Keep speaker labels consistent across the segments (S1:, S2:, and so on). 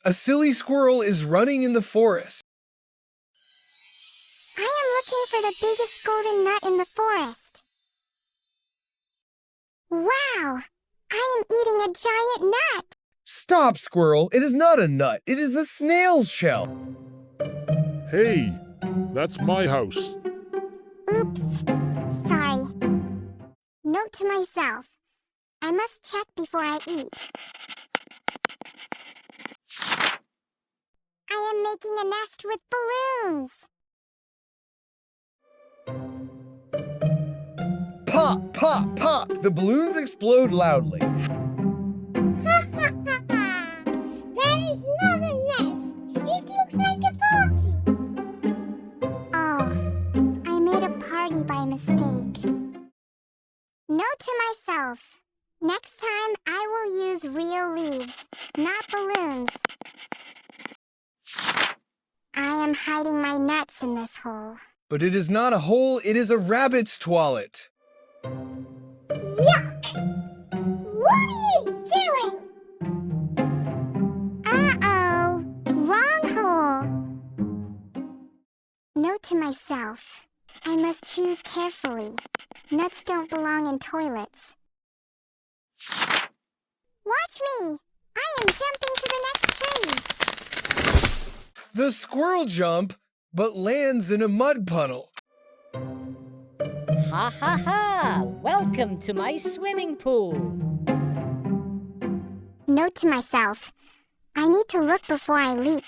S1: A silly squirrel is running in the forest.
S2: I am looking for the biggest golden nut in the forest. Wow! I am eating a giant nut!
S1: Stop, squirrel. It is not a nut. It is a snail's shell.
S3: Hey, that's my house.
S2: Oops. Sorry. Note to myself. I must check before I eat. I am making a nest with balloons.
S1: Pop, pop, pop. The balloons explode loudly.
S2: That is not a nest. It looks like a party. Oh, I made a party by mistake. Note to myself. Next time I will use real leaves, not balloons. I am hiding my nuts in this hole.
S1: But it is not a hole. It is a rabbit's toilet.
S2: Yuck! What are you doing? Uh-oh, wrong hole. Note to myself, I must choose carefully. Nuts don't belong in toilets. Watch me! I am jumping to the next tree.
S1: The squirrel jump, but lands in a mud puddle.
S4: Ha ha ha! Welcome to my swimming pool.
S2: Note to myself, I need to look before I leap.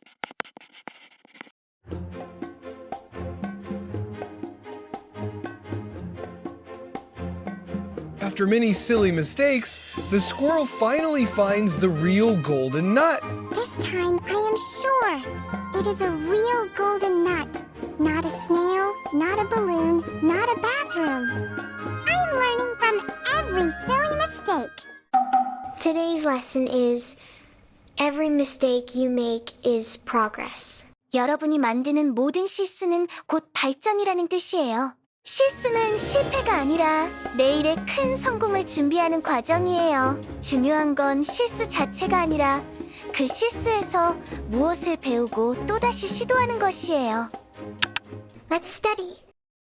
S1: After many silly mistakes, the squirrel finally finds the real golden nut.
S2: This time I am sure it is a real golden nut. Not a snail, not a balloon, not a bathroom. I am learning from every silly mistake.
S5: Today's lesson is every mistake you make is progress.
S6: 여러분이 만드는 모든 실수는 곧 발전이라는 뜻이에요. 실수는 실패가 아니라 내일의 큰 성공을 준비하는 과정이에요. 중요한 건 실수 자체가 아니라 그 실수에서 무엇을 배우고 또다시 시도하는 것이에요.
S5: Let's study.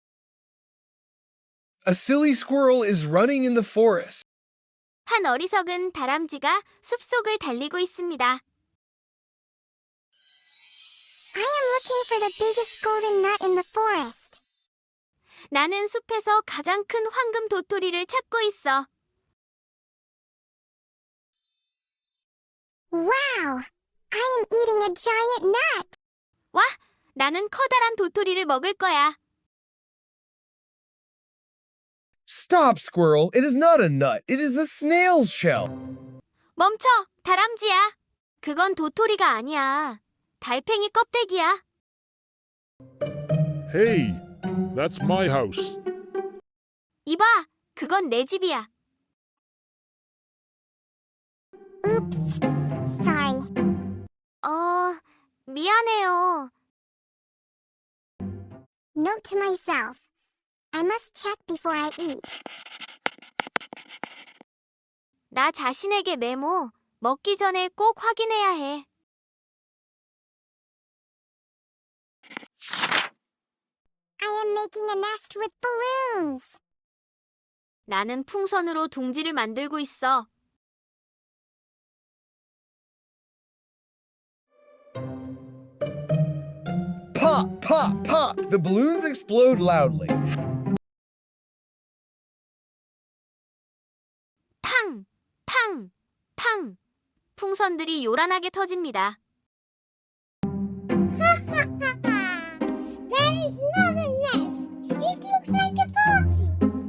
S1: A silly squirrel is running in the forest.
S6: 한 어리석은 다람쥐가 숲속을 달리고 있습니다.
S2: I am looking for the biggest golden nut in the forest.
S6: 나는 숲에서 가장 큰 황금 도토리를 찾고 있어.
S2: Wow! I am eating a giant nut.
S6: 와, 나는 커다란 도토리를 먹을 거야.
S1: Stop, squirrel. It is not a nut. It is a snail's shell.
S6: 멈춰, 다람쥐야. 그건 도토리가 아니야. 달팽이 껍데기야.
S3: Hey, that's my house.
S6: 이봐, 그건 내 집이야.
S2: Oops. Sorry.
S6: 미안해요.
S2: Note to myself. I must check before I eat.
S6: 나 자신에게 메모. 먹기 전에 꼭 확인해야 해.
S2: I am making a nest with balloons.
S6: 나는 풍선으로 둥지를 만들고 있어.
S1: Pop, pop, pop. The balloons explode loudly.
S6: 팡! 팡! 팡! 풍선들이 요란하게 터집니다.
S2: That is not a nest. It looks like a party.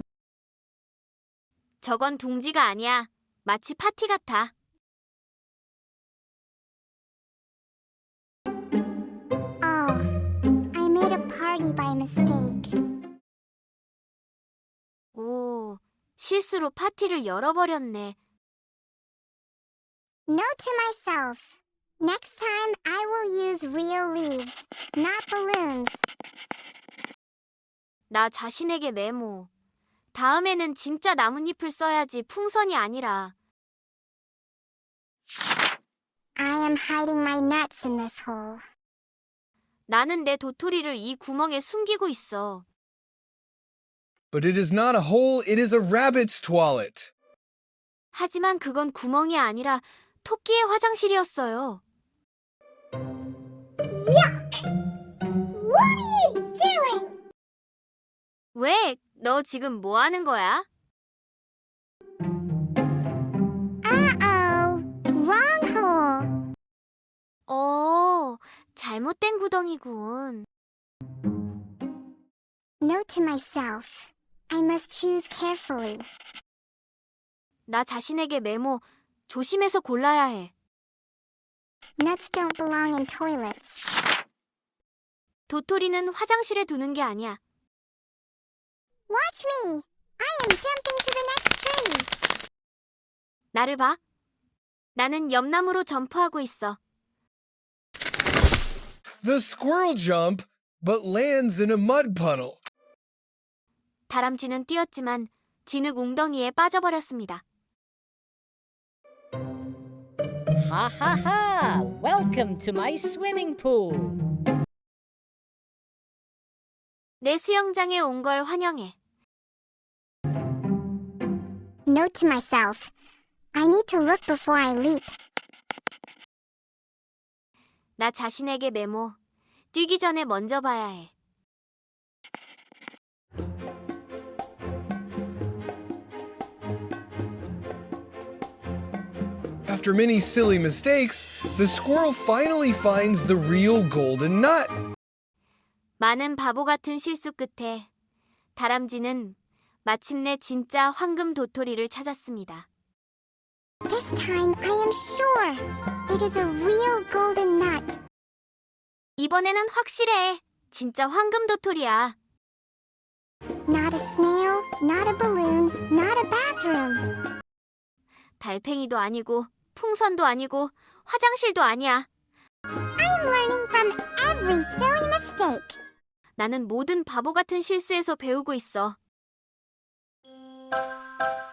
S6: 저건 둥지가 아니야. 마치 파티 같아.
S2: Oh, I made a party by mistake.
S6: 오, 실수로 파티를 열어버렸네.
S2: Note to myself. Next time I will use real leaves, not balloons.
S6: 나 자신에게 메모. 다음에는 진짜 나뭇잎을 써야지 풍선이 아니라.
S2: I am hiding my nuts in this hole.
S6: 나는 내 도토리를 이 구멍에 숨기고 있어.
S1: But it is not a hole, it is a rabbit's toilet.
S6: 하지만 그건 구멍이 아니라 토끼의 화장실이었어요.
S2: What are you doing?
S6: 왜? 너 지금 뭐 하는 거야?
S2: Uh-oh. Wrong hole.
S6: 잘못된 구덩이군.
S2: Note to myself. I must choose carefully.
S6: 나 자신에게 메모, 조심해서 골라야 해.
S2: Nuts don't belong in toilets.
S6: 도토리는 화장실에 두는 게 아니야.
S2: Watch me. I am jumping to the next tree.
S6: 나를 봐. 나는 옆나무로 점프하고 있어.
S1: The squirrel jump, but lands in a mud puddle.
S6: 다람쥐는 뛰었지만 진흙 웅덩이에 빠져버렸습니다.
S4: Ha ha ha! Welcome to my swimming pool.
S6: 내 수영장에 온 걸 환영해.
S2: Note to myself. I need to look before I leap.
S6: 나 자신에게 메모, 뛰기 전에 먼저 봐야 해.
S1: After many silly mistakes, the squirrel finally finds the real golden nut.
S6: 많은 바보 같은 실수 끝에 다람쥐는 마침내 진짜 황금 도토리를 찾았습니다.
S2: This time I am sure it is a real golden nut.
S6: 이번에는 확실해. 진짜 황금 도토리야.
S2: Not a snail, not a balloon, not a bathroom.
S6: 달팽이도 아니고 풍선도 아니고 화장실도 아니야.
S2: I am learning from every silly mistake.
S6: 나는 모든 바보 같은 실수에서 배우고 있어.